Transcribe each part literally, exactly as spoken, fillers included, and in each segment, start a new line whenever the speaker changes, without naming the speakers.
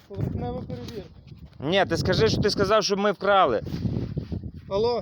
Поверхнева перевірка.
Ні, ти скажи, що ти сказав, що ми вкрали.
Алло.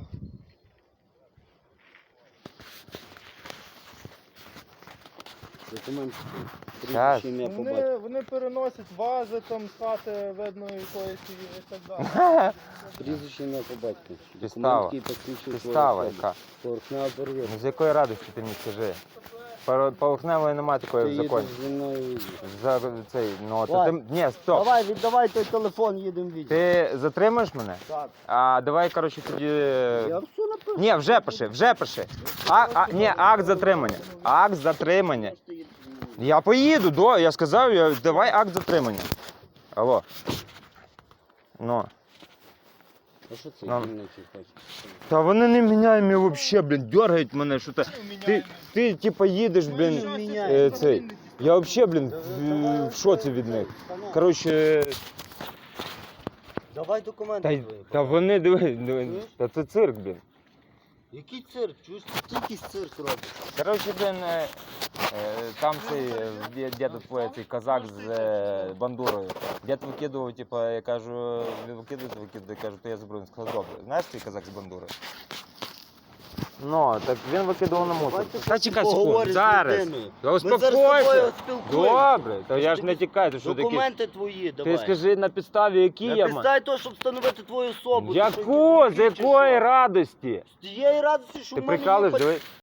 Документ.
Щас.
Прізвище, ім'я, по батькові.
Вони, вони переносять вази там з хати видно якоїсь і так далі.
Прізвище, ім'я, по батькові.
Підстава.
Документ, який посвідчує твою
Підстава
особу.
яка?
Поверхнева перевірка.
Ну, з якої радості ти мені скажи? Пор- Поверхневої немає такої
Ти
в
їдеш
законі.
зі мною.
За цей, ну, то
Давай.
ти... Ні, стоп.
Давай, віддавай той телефон, їдемо відео.
Ти затримаєш мене?
Так.
А давай, коротше, тоді...
Я все напишу.
Ні, вже пиши, вже пиши. А, а, ні, акт затримання. Акт затримання. Я поїду, до, я сказав, я, давай акт затримання. Алло. Ну.
А що це
Нам-
дільничий хоче?
Та вони не міняють мене взагалі, блін, дергають мене, що то. Ти, ти типа їдеш, блін, е, цей. Я взагалі, блін, в, в шоці від них. Коротше,
Давай документи
та,
твої.
та вони, диви, диви, та це цирк, блін.
Який цирк? Чуєш, ти якийсь цирк робиш?
Коротше, блін, е, е, там цей, е, дід твоє, цей казак з е, бандурою. Дід викидував, типу, я кажу, ви викидуєте, викидуєте, я кажу, то я заберу. Він сказав, добре. Знаєш цей казак з бандурою? Ну, так він викидував на мусор.
Давайте
Та чекай секунду,
поговориш з
зараз.
людиною.
Та
Ми зараз з
успокойся.
тобою спілкуємося.
Добре, то я ж не тікаю, ти що таке?
Документи твої, давай.
Ти скажи на підставі, які я
На
маю.
підставі того, щоб встановити твою особу. Ти
Яку?
що,
З якої радості?
З тієї радості, що
Ти
в мене
прикалуєш,
є
диви.